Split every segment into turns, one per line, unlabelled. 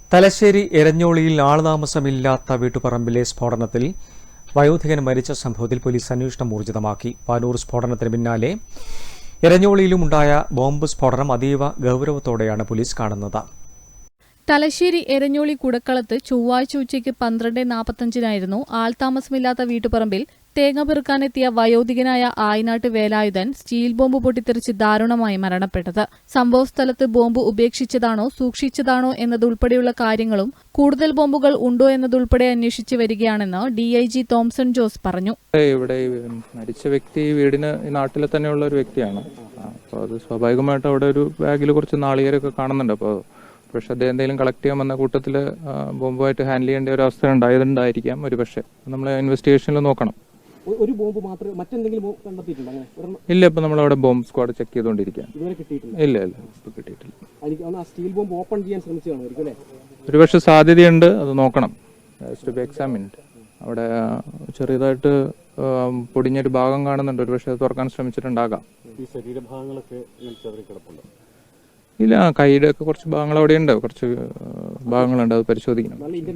തലശ്ശേരി എരഞ്ഞോളിയിൽ ആൾതാമസമില്ലാത്ത വീട്ടുപറമ്പിലെ സ്ഫോടനത്തിൽ വയോധികൻ മരിച്ച സംഭവത്തിൽ പോലീസ് അന്വേഷണം ഊർജിതമാക്കി. പാനൂർ സ്ഫോടനത്തിന് പിന്നാലെ എരഞ്ഞോളിയിലും ഉണ്ടായ ബോംബ് സ്ഫോടനം അതീവ ഗൌരവത്തോടെയാണ് പോലീസ് കാണുന്നത്.
തലശ്ശേരി എരഞ്ഞോളി കുടക്കളത്ത് ചൊവ്വാഴ്ച ഉച്ചയ്ക്ക് 12:45 ആൾതാമസമില്ലാത്ത വീട്ടുപറമ്പിൽ തേങ്ങ പെറുക്കാനെത്തിയ വയോധികനായ ആയിനാട്ട് വേലായുധൻ സ്റ്റീൽ ബോംബ് പൊട്ടിത്തെറിച്ച് ദാരുണമായി മരണപ്പെട്ടത്. സംഭവസ്ഥലത്ത് ബോംബ് ഉപേക്ഷിച്ചതാണോ സൂക്ഷിച്ചതാണോ എന്നതുൾപ്പെടെയുള്ള കാര്യങ്ങളും കൂടുതൽ ബോംബുകൾ ഉണ്ടോ എന്നതുൾപ്പെടെ അന്വേഷിച്ചു വരികയാണെന്ന് DIG തോംസൺ ജോസ് പറഞ്ഞു.
ഇവിടെ മരിച്ച വ്യക്തി വീടിന് നാട്ടിലെ തന്നെയുള്ള ഒരു വ്യക്തിയാണ്. അപ്പോൾ അത് സ്വാഭാവികമായിട്ട് അവിടെ ഒരു ബാഗിൽ കുറച്ച് നാളികേരൊക്കെ കാണുന്നുണ്ട്. അപ്പോൾ പക്ഷെ അദ്ദേഹം എന്തെങ്കിലും കളക്ട് ചെയ്യാൻ വന്ന കൂട്ടത്തിൽ ബോംബുമായിട്ട് ഹാൻഡിൽ ചെയ്യേണ്ട ഒരു അവസ്ഥ ഉണ്ടായതുണ്ടായിരിക്കാം. ഒരു പക്ഷേ നമ്മൾ ഇൻവെസ്റ്റിഗേഷനിൽ നോക്കണം.
ഒരു ബോംബ് മാത്രമേ മറ്റെന്തെങ്കിലും കണ്ടെത്തിയിട്ടുണ്ടോ?
ഇല്ല, ഇപ്പൊ നമ്മളവിടെ ബോംബ് സ്ക്വാഡ് ചെക്ക് ചെയ്തുകൊണ്ടിരിക്കുകയാണ്. ഇല്ല ഇപ്പൊ കിട്ടിയിട്ടില്ല.
സ്റ്റീൽ ബോംബ് ഓപ്പൺ ചെയ്യാൻ ശ്രമിച്ചതാണോ?
ഒരു പക്ഷെ സാധ്യതയുണ്ട്, അത് നോക്കണം. അവിടെ ചെറിയതായിട്ട് പൊടിഞ്ഞൊരു ഭാഗം കാണുന്നുണ്ട്. ഒരു പക്ഷെ തുറക്കാൻ ശ്രമിച്ചിട്ടുണ്ടാകാം. ഇല്ല, കൈയുടെ ഒക്കെ കുറച്ച് ഭാഗങ്ങൾ അവിടെയുണ്ട്, കുറച്ച് ഭാഗങ്ങളുണ്ട്, അത് പരിശോധിക്കണം.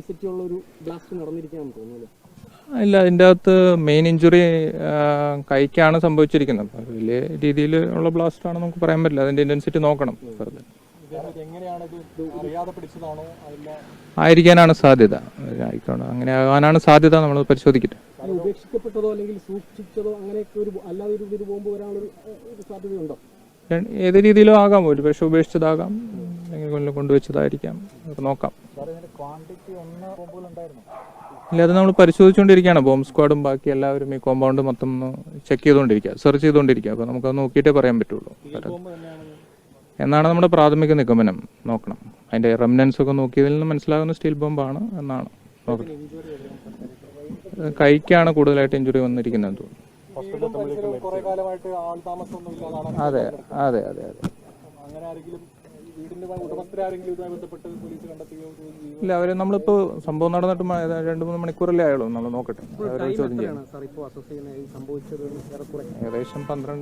ഇല്ല, അതിൻ്റെ അകത്ത് മെയിൻ ഇഞ്ചുറി കൈക്കാണ് സംഭവിച്ചിരിക്കുന്നത്. വലിയ രീതിയിൽ ഉള്ള ബ്ലാസ്റ്റ് ആണെന്ന് നമുക്ക് പറയാൻ പറ്റില്ല. അതിന്റെ ഇന്റൻസിറ്റി നോക്കണം. ആയിരിക്കാനാണ് സാധ്യത. അങ്ങനെ ആകാനാണ് സാധ്യത. നമ്മൾ പരിശോധിക്കട്ടെ. ഏത് രീതിയിലും ആകാം. ഒരു പക്ഷെ ഉപേക്ഷിച്ചതാകാം, അല്ലെങ്കിൽ കൊണ്ടുവച്ചതായിരിക്കാം. നോക്കാം. ഇല്ല, അത് നമ്മൾ പരിശോധിച്ചുകൊണ്ടിരിക്കുകയാണ്. ബോംബ് സ്ക്വാഡും ബാക്കി എല്ലാവരും ഈ കോമ്പൗണ്ട് മൊത്തം ചെക്ക് ചെയ്തുകൊണ്ടിരിക്കുക, സെർച്ച് ചെയ്തുകൊണ്ടിരിക്കുക. അപ്പോൾ നമുക്കത് നോക്കിയിട്ടേ പറയാൻ പറ്റുള്ളൂ എന്നാണ് നമ്മുടെ പ്രാഥമിക നിഗമനം. നോക്കണം, അതിന്റെ റെമിനൻസ് ഒക്കെ നോക്കിയതിൽ നിന്ന് മനസ്സിലാകുന്ന സ്റ്റീൽ ബോംബാണ് എന്നാണ്. നോക്കണം, കൈക്കാണ് കൂടുതലായിട്ട് ഇഞ്ചുറി വന്നിരിക്കുന്നത് തോന്നുന്നു. അതെ അതെ അതെ അതെ ഇല്ല, അവര് നമ്മളിപ്പോ സംഭവം നടന്നിട്ട് 2-3 മണിക്കൂറല്ലേ ആയുള്ളൂ. നമ്മൾ നോക്കട്ടെ, ചോദ്യം ചെയ്യാം. ഏകദേശം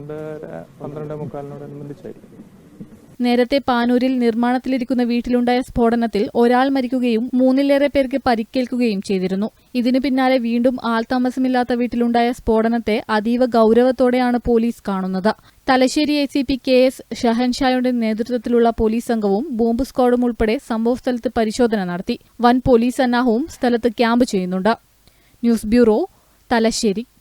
12-12:45
നേരത്തെ പാനൂരിൽ നിർമ്മാണത്തിലിരിക്കുന്ന വീട്ടിലുണ്ടായ സ്ഫോടനത്തിൽ ഒരാൾ മരിക്കുകയും 3-ലേറെ പേർക്ക് പരിക്കേൽക്കുകയും ചെയ്തിരുന്നു. ഇതിനു പിന്നാലെ വീണ്ടും ആൾതാമസമില്ലാത്ത വീട്ടിലുണ്ടായ സ്ഫോടനത്തെ അതീവ ഗൌരവത്തോടെയാണ് പോലീസ് കാണുന്നത്. തലശ്ശേരി ACP KS ഷഹൻഷായുടെ നേതൃത്വത്തിലുള്ള പോലീസ് സംഘവും ബോംബ് സ്ക്വാഡും ഉൾപ്പെടെ സംഭവസ്ഥലത്ത് പരിശോധന നടത്തി. വൻ പോലീസ് സന്നാഹവും സ്ഥലത്ത് ക്യാമ്പ് ചെയ്യുന്നുണ്ട്. News bureau, Thalassery.